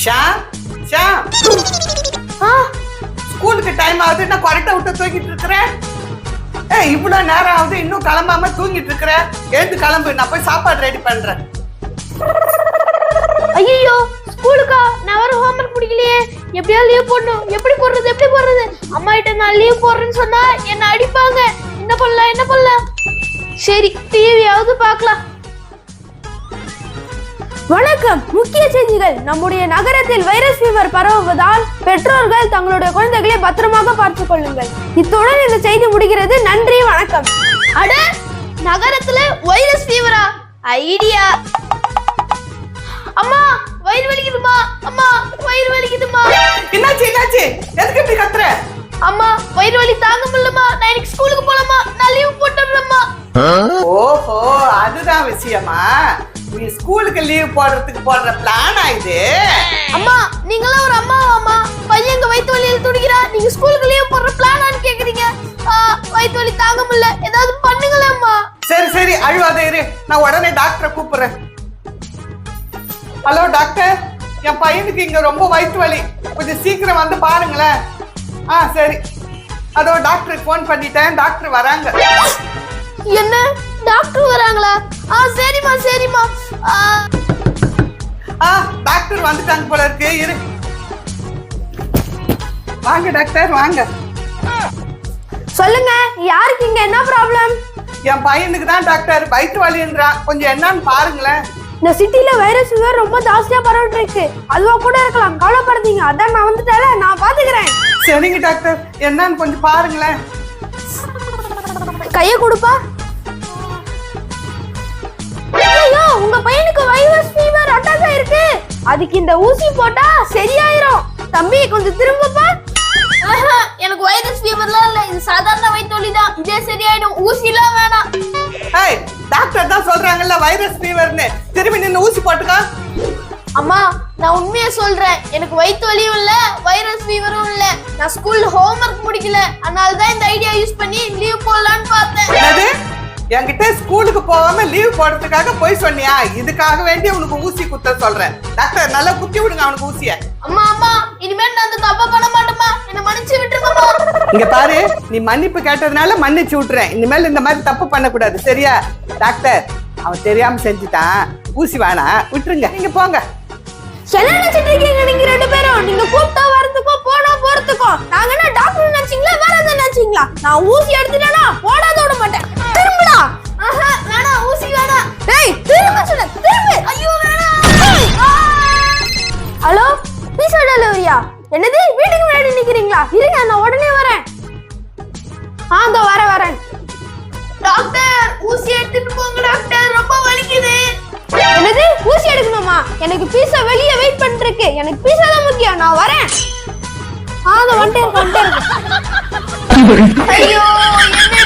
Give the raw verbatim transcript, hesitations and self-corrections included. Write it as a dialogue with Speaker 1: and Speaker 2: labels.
Speaker 1: ஷாம் ஷாம் ஸ்கூலுக்கு டைம் ஆகுது, நான் கரெக்டா விட்டு தூங்கிட்டு இருக்கிறேன். ஏ இவ்வளவு நேரம் ஆகுது, இன்னும் கிளம்பாம தூங்கிட்டு இருக்கிறேன். எழுந்து கிளம்பு, நான் போய் சாப்பாடு ரெடி பண்றேன்.
Speaker 2: ஐயோ ஸ்கூலுக்கா? நான் வர ஹோம்வொர்க் முடிக்கலையே. எப்படியா லீவ் போடணும். எப்படி போடுறது எப்படி போடுறது? அம்மா கிட்ட நான் லீவ் போடுறேன்னு சொன்னா என்ன அடிப்பாங்க. என்ன பண்ணலாம் என்ன பண்ணலாம்? சரி டிவியாவது பார்க்கலாம்.
Speaker 3: வணக்கம். முக்கிய செய்திகள். நம்முடைய நகரத்தில் வைரஸ் ஃபீவர் பரவுவதால் பெற்றோர்கள் தங்களுடைய குழந்தைகளை பத்திரமாக பார்த்துக் கொள்ளுங்கள். இத்துடன் இந்த செய்தி முடிகிறது. நன்றி, வணக்கம்.
Speaker 2: அட, நகரத்துல வைரஸ் ஃபீவரா? ஐடியா. அம்மா வயிறு வலிக்குதுமா, அம்மா வயிறு வலிக்குதுமா.
Speaker 1: என்னாச்சு என்னாச்சு? எதுக்கு இப்படி கத்துற?
Speaker 2: அம்மா வயிறு வலி தாங்க முடியலமா. நான் இன்னைக்கு ஸ்கூலுக்கு போலாமா? நான் லீவ் போட்டுறேன்மா.
Speaker 1: ஓஹோ, அதுதான் விஷயமா? நீ ஸ்கூலுக்கு லீவ் போடுறதுக்கு போடுற பிளானா இது?
Speaker 2: அம்மா நீங்களாம் ஒரு அம்மாவாமா? பையன் எங்க வயிற்று வலியில துடிக்கிறா, நீங்க ஸ்கூலுக்கு லீவ் போடுற பிளானான்னு கேக்குறீங்க. வயிற்று வலி தாங்க முடியல, ஏதாவது பண்ணுங்களேம்மா.
Speaker 1: சரி சரி அழுவாத இரு, நான் உடனே டாக்டரை கூப்பிடுறேன். ஹலோ டாக்டர், என் பையனுக்கு இங்க ரொம்ப வயிற்று வலி, கொஞ்சம் சீக்கிரம் வந்து பாருங்களேன். ஆ சரி, அதோ டாக்டருக்கு ஃபோன் பண்ணிட்டேன், டாக்டர் வராங்க.
Speaker 2: என்ன டாக்டர் வராங்களா? ஆ சரிம்மா சரிம்மா.
Speaker 1: ஆ டாக்டர் வந்துட்டாங்க போல இருக்கு, இரு. வாங்க டாக்டர் வாங்க.
Speaker 3: சொல்லுங்க, யாருக்கு இங்க என்ன ப்ராப்ளம்?
Speaker 1: என் பையனுக்கு தான் டாக்டர் வயிற்று வலின்றான், கொஞ்சம் என்னன்னு பாருங்களேன்.
Speaker 3: இந்த சிட்டில வைரஸ் ஃபீவர் ரொம்ப ஜாஸ்தியா பரவிட்டு இருக்கு. அதுவா கூட இருக்கலாம், கவலைப்படாதீங்க. அதான் நான் வந்துட்டேல, நான் பாத்துக்கிறேன்.
Speaker 1: சரிங்க டாக்டர், என்னன்னு கொஞ்சம் பாருங்களேன்.
Speaker 3: கைய கொடுப்பா. ஐயோ, உங்க பையனுக்கு வைரஸ் ஃபீவர் அட்டாக் ஆயிருக்கு. அதுக்கு இந்த ஊசி போட்டா சரியாயிரும். தம்பி கொஞ்சம் திரும்பப்பா.
Speaker 2: எனக்கு வைரஸ் ஃபீவர்லாம் இல்ல, இது சாதாரண வயிற்று வலி தான். இதே சரியாயிடும், ஊசிலாம் வேணாம்.
Speaker 1: ஏய், டாக்டர் தான் சொல்றாங்கல்ல வைரஸ் ஃபீவர்னு, திரும்பி நின்னு ஊசி போட்டுக்கா.
Speaker 2: அம்மா நான் உண்மையா சொல்றேன், எனக்கு வயிற்று வலியும் இல்ல வைரஸ் ஃபீவரும் இல்ல. நான் ஸ்கூல்ல ஹோம்வொர்க் முடிக்கல, அதனால தான் இந்த ஐடியா யூஸ் பண்ணி லீவ் போடலான்னு பார்த்தேன்.
Speaker 1: என்னது? என்கிட்ட ஸ்கூலுக்கு போகாம லீவ் போடுறதுக்காக போய் சொன்னியா? இதுக்காக வேண்டி உனக்கு ஊசி குத்த சொல்றேன். டாக்டர் நல்லா குத்தி விடுங்க அவனுக்கு ஊசிய.
Speaker 2: அம்மா அம்மா இனிமேல் நான் அந்த தப்பா பண்ண மாட்டேமா, என்ன மன்னிச்சு விட்டுருங்கம்மா.
Speaker 1: இங்க பாரு, நீ மன்னிப்பு கேட்டதுனால மன்னிச்சு விட்டுறேன். இனிமேல் இந்த மாதிரி தப்பு பண்ணக்கூடாது, சரியா? டாக்டர் அவன் தெரியாம செஞ்சுட்டான், ஊசி வேணா விட்டுருங்க, நீங்க போங்க.
Speaker 3: என்ன நினைச்சிட்டு இருக்கீங்க நீங்க ரெண்டு பேரும்? நீங்க கூப்பிட்டா வரதுக்கோ போனா போறதுக்கோ நாங்க என்ன டாக்டர் நினைச்சீங்களா வேற எதாவது நினைச்சீங்களா? நான் ஊசி எடுத்துட்டேனா போடாத விட மாட்டேன். திரும்புடா.
Speaker 2: ஆஹா வேணாம், ஊசி வேணாம்.
Speaker 3: டேய் திரும்ப சொல்ல, திரும்ப.
Speaker 2: ஐயோ வேணாம்.
Speaker 3: ஹலோ, பீஸா டெலிவரியா? என்னது, வீட்டுக்கு முன்னாடி நிக்கிறீங்களா? இருங்க நான் உடனே வரேன். ஆ இதோ வர வரேன்.
Speaker 2: டாக்டர் ஊசி எடுத்துட்டு போங்க டாக்டர், ரொம்ப வலிக்குது.
Speaker 3: என்னது, ஊசி எடுக்கணுமா? எனக்கு பீஸா வெளியே வெயிட் பண்ணிட்டு இருக்கு. எனக்கு பீஸா தான் முக்கியம், நான் வரேன். ஆ இதோ வந்துட்டேன் வந்துட்டேன்.
Speaker 2: ஐயோ என்ன